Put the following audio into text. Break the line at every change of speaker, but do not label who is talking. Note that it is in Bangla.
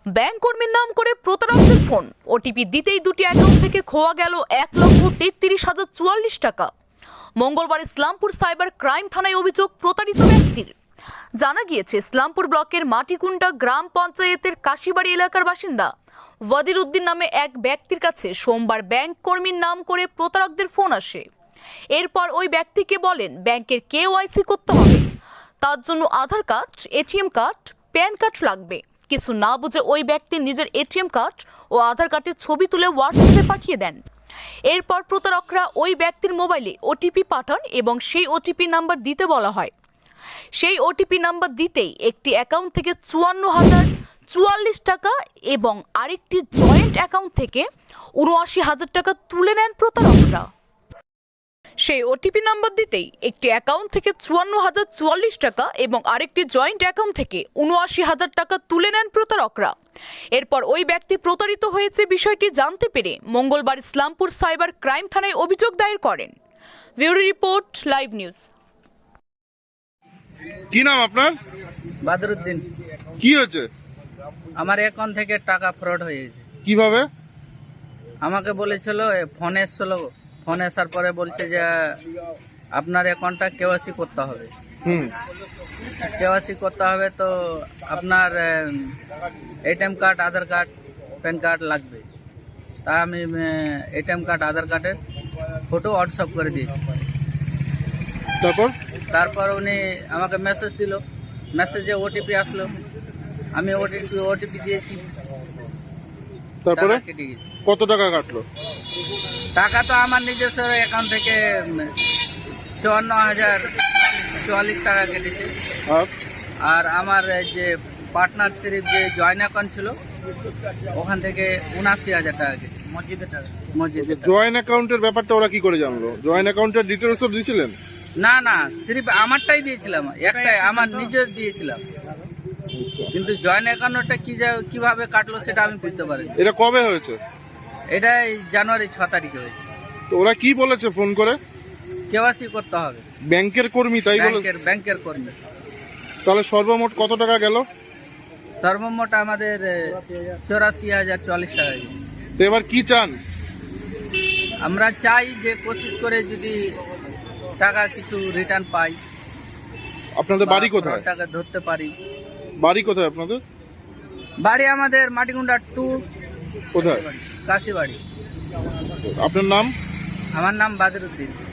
ব্যাংক কর্মীর নাম করে প্রতারকদের ফোন। ওটিপি দিতেই দুটি অ্যাকাউন্ট থেকে খোয়া গেল 1,33,044 টাকা। মঙ্গলবার ইসলামপুর সাইবার ক্রাইম থানায় অভিযোগ প্রতারিত ব্যক্তির। জানা গিয়েছে, ইসলামপুর ব্লকের মাটিকুন্ডা গ্রাম পঞ্চায়েতের কাশিবাড়ি এলাকার বাসিন্দা ওয়াদির উদ্দিন নামে এক ব্যক্তির কাছে সোমবার ব্যাংক কর্মীর নাম করে প্রতারকদের ফোন আসে। এরপর ওই ব্যক্তিকে বলেন ব্যাংকের KYC করতে হবে, তার জন্য Aadhaar card, ATM card, PAN card লাগবে। কিছু না বুঝে ওই ব্যক্তি নিজের ATM কার্ড ও আধার কার্ডের ছবি তুলে হোয়াটসঅ্যাপে পাঠিয়ে দেন। এরপর প্রতারকরা ওই ব্যক্তির মোবাইলে OTP পাঠান এবং সেই OTP নাম্বার দিতে বলা হয়। সেই OTP নাম্বার দিতেই একটি অ্যাকাউন্ট থেকে 54,044 টাকা এবং আরেকটি জয়েন্ট অ্যাকাউন্ট থেকে 79,000 টাকা তুলে নেন প্রতারকরা। সেই OTP নাম্বার দিতেই একটি অ্যাকাউন্ট থেকে 54,044 টাকা এবং আরেকটি জয়েন্ট অ্যাকাউন্ট থেকে 79,000 টাকা তুলে নেন প্রতারকরা। এরপর ওই ব্যক্তি প্রতারিত হয়েছে বিষয়টি জানতে পেরে মঙ্গলবার ইসলামপুর সাইবার ক্রাইম থানায় অভিযোগ দায়ের করেন। Bureau report, live news.
কি নাম আপনার?
বাদরুদ্দিন।
কি হয়েছে?
আমার অ্যাকাউন্ট থেকে টাকা ফ্রড হয়ে গেছে।
কিভাবে?
আমাকে বলেছিল ফোন এসছিল, ফোন আসার পরে বলছে যে আপনার অ্যাকাউন্টটা KYC করতে হবে। KYC করতে হবে, তো আপনার ATM card, Aadhaar card, PAN card লাগবে। তা আমি ATM কার্ড, আধার কার্ডের ফটো হোয়াটসঅ্যাপ করে দিয়েছি। তারপর উনি আমাকে মেসেজ দিল, মেসেজে OTP আসলো, আমি OTP দিয়েছি।
তারপরে
কেটে গেছে।
কত টাকা কাটলো?
টাকা তো আমার নিজস্ব অ্যাকাউন্ট থেকে 54,044 টাকা কেটেছে। আর আমার যে পার্টনারশিপ যে জয়েন্ট অ্যাকাউন্ট ছিল ওখান থেকে 79,000 টাকা কেটেছে। মসজিদের টাকা।
জয়েন্ট অ্যাকাউন্টের ব্যাপারটা ওরা কি করে জানলো? জয়েন্ট অ্যাকাউন্টের ডিটেলস সব দিয়েছিলেন?
না, সিরিফ আমারটাই দিয়েছিলাম, একটাই আমার নিজের দিয়েছিলাম, কিন্তু জয়েন্ট অ্যাকাউন্টটা কিভাবে কাটলো সেটা আমি বুঝতে পারিনি।
এটা কবে হয়েছে?
এটা জানুয়ারি 6 তারিখে হয়েছে।
তো ওরা কি বলেছে ফোন করে?
KYC করতে হবে।
ব্যাংকের কর্মী তাই বলে?
ব্যাংকের কর্মী।
তাহলে সর্বমোট কত টাকা গেল?
সর্বমোট আমাদের 84,044 টাকা গেছে।
তো এবার কি চান?
আমরা চাই যে কোশিশ করে যদি টাকা কিছু রিটার্ন পাই।
আপনাদের বাড়ি কোথায়?
টাকা ধরতে পারি।
বাড়ি কোথায় আপনাদের?
বাড়ি আমাদের মাটিকুন্ডা 2।
কোথায়?
কাশিবাড়ি।
আপনার নাম?
আমার নাম বাদরুদ্দিন।